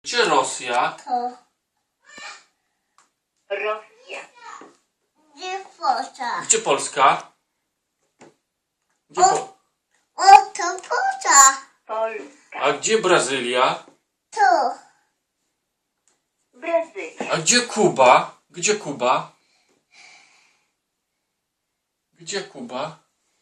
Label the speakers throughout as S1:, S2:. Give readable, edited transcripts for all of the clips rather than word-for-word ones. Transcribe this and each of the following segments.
S1: Gdzie Rosja?
S2: To.
S3: Rosja.
S2: Gdzie Polska?
S1: Gdzie Polska? Gdzie
S2: O, to Polska.
S3: Polska.
S1: A gdzie Brazylia?
S2: Tu.
S3: Brazylia.
S1: A gdzie Kuba? Gdzie Kuba? Gdzie Kuba?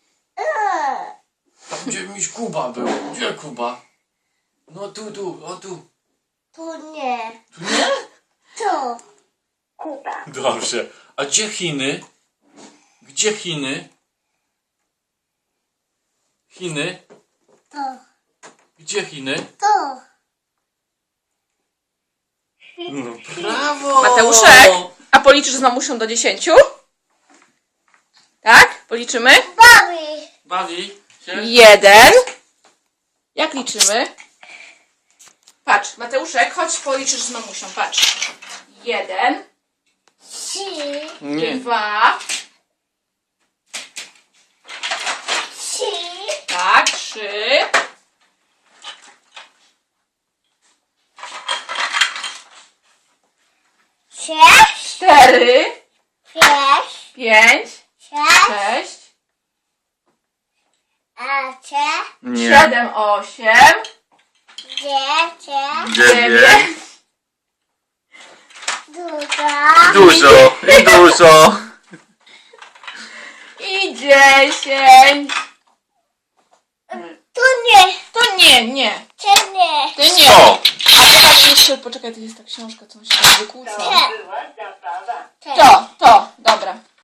S1: Tam gdzie miś Kuba był. Gdzie Kuba? No tu, o tu.
S2: Tu nie.
S1: Tu nie?
S2: Tu.
S3: Kuba.
S1: Dobrze. A gdzie Chiny? Gdzie Chiny? Chiny?
S2: Tu.
S1: Gdzie Chiny?
S2: Tu.
S1: No, brawo!
S4: Mateuszek, a policzysz z mamusią do 10? Tak? Policzymy?
S2: Bawi.
S1: Bawi się?
S4: 1. Jak liczymy? Patrz, Mateuszek, chodź policzysz z mamusią, patrz. 1,
S2: Trzy.
S1: Nie.
S4: 2,
S2: Trzy.
S4: tak, 3,
S2: Sześć.
S4: 4,
S2: Pięć.
S4: 5,
S2: Sześć.
S4: 6,
S2: A cze.
S4: 7, 8,
S2: Dziewięć.
S4: 9,
S2: Duża.
S1: Dużo i dużo.
S4: i 10.
S2: Tu nie.
S4: To nie.
S2: Tu nie.
S4: To nie.
S1: O!
S4: A teraz jeszcze, poczekaj, to jest ta książka, co mi się tam wykłóca.
S3: To była zabawa.
S4: To, dobra.